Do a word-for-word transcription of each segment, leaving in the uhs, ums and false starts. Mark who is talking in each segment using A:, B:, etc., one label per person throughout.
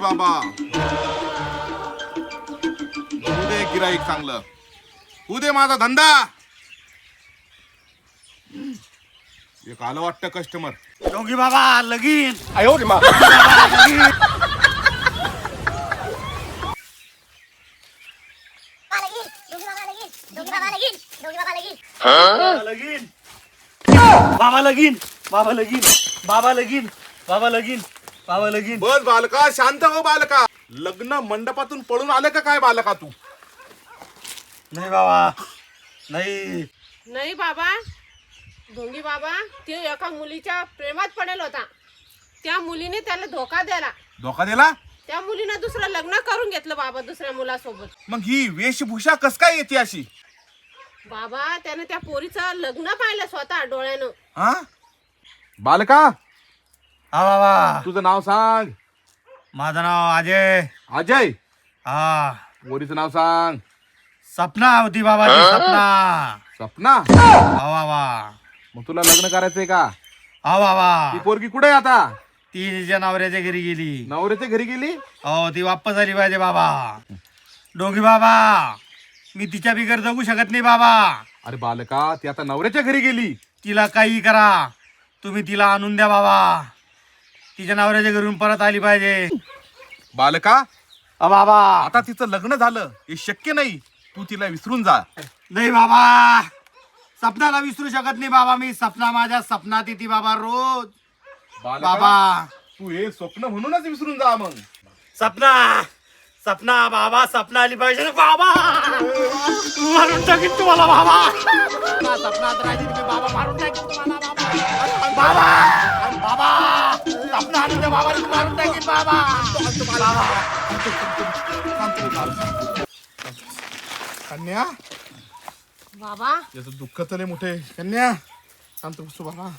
A: बाबा उदे गिराईक चांगलं उदे माझा धंदा एक आलं वाटतं कस्टमर
B: डोंगी बाबा लगीन
C: आयो रे मा
B: लगीन बाबा लगीन बाबा लगीन बाबा लगीन बाबा लगीन बाबा लगीन
A: बस बालका शांत हो बालका लग्न मंडपातून पळून आले का काय बालका तू
B: नाही बाबा नाही
D: नाही बाबा ढोंगी बाबा ते एका मुलीच्या प्रेमात पडेल होता त्या मुलीने त्याला धोका दिला
A: धोका दिला
D: त्या मुलीने दुसरं लग्न करून घेतलं बाबा दुसऱ्या मुलासोबत
A: मग ही वेशभूषा कस काय येते अशी
D: बाबा त्याने त्या पोरीचं लग्न पाहिलं स्वतः डोळ्यानं
A: हा बालका
B: हा बाबा
A: तुझं नाव सांग
B: माझं नाव अजय
A: अजय
B: हा
A: पोरीचं नाव सांग
B: सपना होती बाबाची सपना
A: सपना
B: हा बाबा
A: मग तुला लग्न करायचंय का
B: हा बाबा
A: ती पोरगी कुठे आहे आता
B: ती तिच्या नवऱ्याच्या घरी गेली
A: नवऱ्याच्या घरी गेली
B: हो ती वापस आली पाहिजे बाबा डोंगी बाबा मी तिच्या बिगर जगू शकत नाही बाबा
A: अरे बालका ती आता नवऱ्याच्या घरी गेली
B: तिला काही करा तुम्ही तिला आणून द्या बाबा तिच्या नवऱ्याच्या घरून परत आली पाहिजे
A: बालका
B: अ बाबा
A: आता तिचं लग्न झालं हे शक्य नाही तू तिला विसरून जा
B: नाही बाबा सपनाला विसरू शकत नाही बाबा मी सपना माझ्या सपनात येते बाबा रोज
A: बालका,
B: बाबा
A: तू हे स्वप्न म्हणूनच विसरून जा मग
B: सपना सपना बाबा सपना आली पाहिजे ना बाबा मारून टाकीन तुम्हाला बाबा सपनात राहिली तुम्ही बाबा मारून टाकीन तुम्हाला बाबा बाबा बाबा सपना आली तर बाबा मारून टाकीन बाबा
A: कन्या
D: बाबा
A: याचं दुःख तर लय मोठे कन्या शांत बसतो बाबा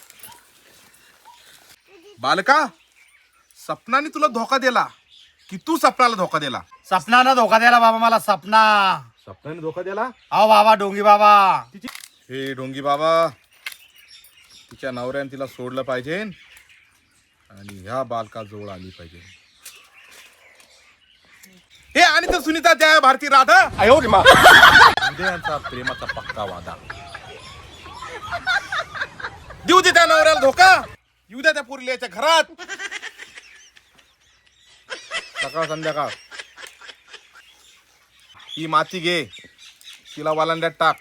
A: बालका सपनाने तुला धोका दिला की तू सपनाला धोका दिला
B: सपनानं धोका द्यायला बाबा मला सपना
A: सपनाने धोका दिला
B: अहो बाबा डोंगी बाबा
A: हे डोंगी बाबा तिच्या नवऱ्याने तिला सोडलं पाहिजे आणि ह्या बालका जवळ आली पाहिजे हे आणि तर सुनीता त्या भारती राधा
C: आयो रे मा
A: हृदयांचा प्रेमाचा पक्का वादा देऊ दे त्या नवऱ्याला धोका येऊ द्या त्या पुरल्याच्या घरात सकाळ संध्याकाळ ही माती घे तिला वालांड्यात टाक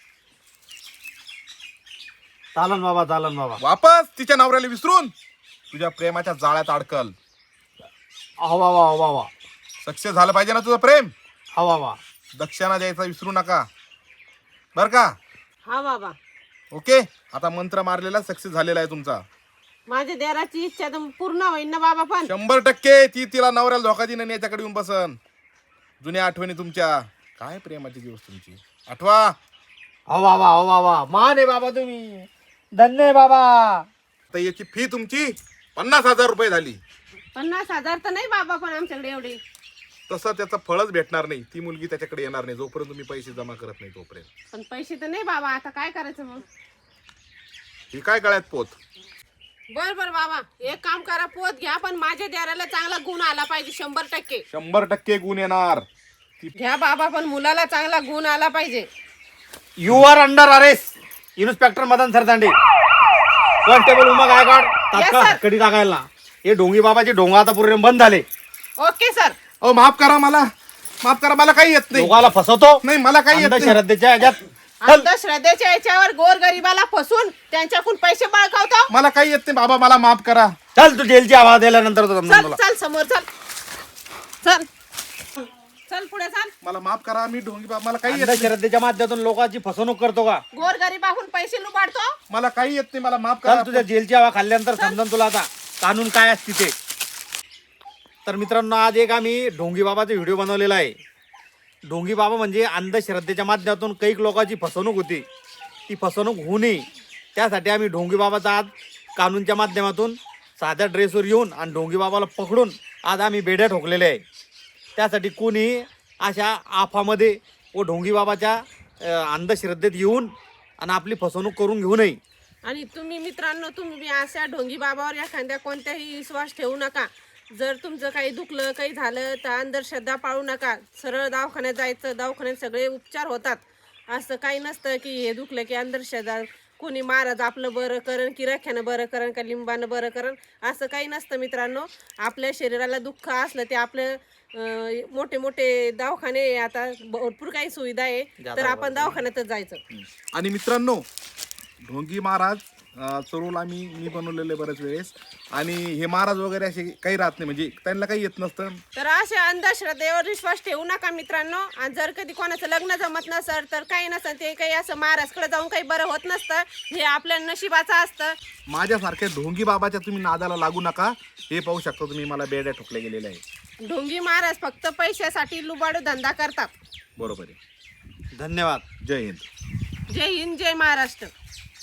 B: चालन बाबा चालन बाबा
A: वापस तिच्या नवऱ्याला विसरून तुझ्या प्रेमाच्या जाळ्यात अडकल
B: अहो बाबा अहो बाबा
A: सक्सेस झालं पाहिजे ना तुझं प्रेम
B: हो बाबा
A: दक्षिणा द्यायचा विसरू नका बर का
D: हा बाबा
A: ओके आता मंत्र मारलेला सक्सेस झालेला आहे तुमचा
D: माझ्या देराची इच्छा तर पूर्ण होईल ना बाबा पण
A: शंभर टक्के ती तिला नवऱ्याला धोका देईन आणि याच्याकडे येऊन बसन जुन्या आठवणी तुमच्या काय प्रेमाची दिवस तुमची आठवा
B: हो बाबा हो बाबा मान आहे बाबा तुम्ही धन्य आहे बाबा
A: तर याची फी तुमची पन्नास हजार रुपये झाली
D: पन्नास हजार तर नाही बाबा पण आमच्याकडे एवढी
A: तसं त्याचं फळच भेटणार नाही ती मुलगी त्याच्याकडे येणार नाही जोपर्यंत तुम्ही पैसे जमा करत नाही तोपर्यंत
D: पण पैसे तर नाही बाबा आता काय करायचं मग
A: ही काय गळ्यात पोत
D: बर बर बाबा एक काम करा पोत घ्या पण माझ्या देराला चांगला गुण आला पाहिजे शंभर टक्के
A: शंभर टक्के गुण येणार
D: घ्या बाबा पण मुलाला चांगला गुण आला पाहिजे
B: you are under arrest inspector Madan Sardande constable Uma Gaikwad तात्काळ
D: sir.
B: कडी टाकायला हे डोंगी बाबाचे डोंगा आता पूर्ण बंद झाले
D: ओके सर
A: अहो माफ करा मला माफ करा मला काही येत नाही
B: लोकाला फसवतो
A: नाही मला काही येत नाही
B: अंधश्रद्धेच्या ह्याच्यात
D: अंधश्रद्धेच्या याच्यावर गोर गरिबाला फसून त्यांच्याकडून पैसे बळकावतो
A: मला काही येत नाही बाबा मला माफ करा
B: चल तू जेलची आवाज दिल्यानंतर तो समजून
D: चल
B: तुला.
D: चल समोर चल चल चल पुढे चल
A: मला माफ करा मी ढोंगी बाबा मला काही येत नाही
B: अंधश्रद्धेच्या माध्यमातून लोकांची फसवणूक करतो का
D: गोर गरिबाहून पैसे लुबाडतो
A: मला काही येत नाही मला माफ
B: चल
A: करा
B: तुझ्या जेलची हवा खाल्ल्यानंतर समजून तुला आता कानून काय असते ते तर मित्रांनो आज एक आम्ही ढोंगी बाबाचा व्हिडिओ बनवलेला आहे ढोंगी बाबा म्हणजे अंधश्रद्धेच्या माध्यमातून काही लोकांची फसवणूक होती ती फसवणूक होऊ नये त्यासाठी आम्ही ढोंगी बाबाचा आज कानूनच्या माध्यमातून साध्या ड्रेसवर येऊन आणि ढोंगी बाबाला पकडून आज आम्ही बेड्या ठोकलेले आहे त्यासाठी कोणी अशा आफामध्ये व ढोंगी बाबाच्या अ, अंधश्रद्धेत येऊन आणि आपली फसवणूक करून घेऊ नये
D: आणि तुम्ही मित्रांनो तुम्ही बी अशा ढोंगी बाबावर एखाद्या कोणत्याही विश्वास ठेवू नका जर तुमचं काही दुखलं काही झालं तर अंधश्रद्धा पाळू नका. सरळ दवाखान्यात जायचं. दवाखान्यात सगळे उपचार होतात. असं काही नसतं की हे दुखलं की अंधश्रद्धा, कोणी महाराज आपलं बरं करण की रख्यानं बरं करण का लिंबानं बरं करण, असं काही नसतं मित्रांनो. आपल्या शरीराला दुःख असलं ते आपलं अं, मोठे मोठे दवाखाने आहे, आता भरपूर काही सुविधा आहे, तर आपण दवाखान्यातच जायचं.
A: आणि मित्रांनो, ढोंगी महाराज अं, चरूल आम्ही मी बनवलेले बरेच वेळेस. आणि हे महाराज वगैरे असे काही राहत नाही, म्हणजे त्यांना काही येत नसतं.
D: तर अशा अंधश्रद्धेवर विश्वास ठेवू नका मित्रांनो. आणि जर कधी कोणाचं लग्न जमत नसेल तर काही नसेल, ते काही असं महाराजकडे जाऊन काही बरं होत नसतं. हे आपल्या नशिबाचं असतं.
A: माझ्यासारख्या ढोंगी बाबाच्या तुम्ही नादाला लागू नका. हे पाहू शकता तुम्ही, मला बेड्या ठोकल्या गेलेल्या आहे.
D: ढोंगी महाराज फक्त पैशासाठी लुबाडू धंदा करतात.
A: बरोबर आहे.
B: धन्यवाद.
A: जय हिंद.
D: जय हिंद, जय महाराष्ट्र.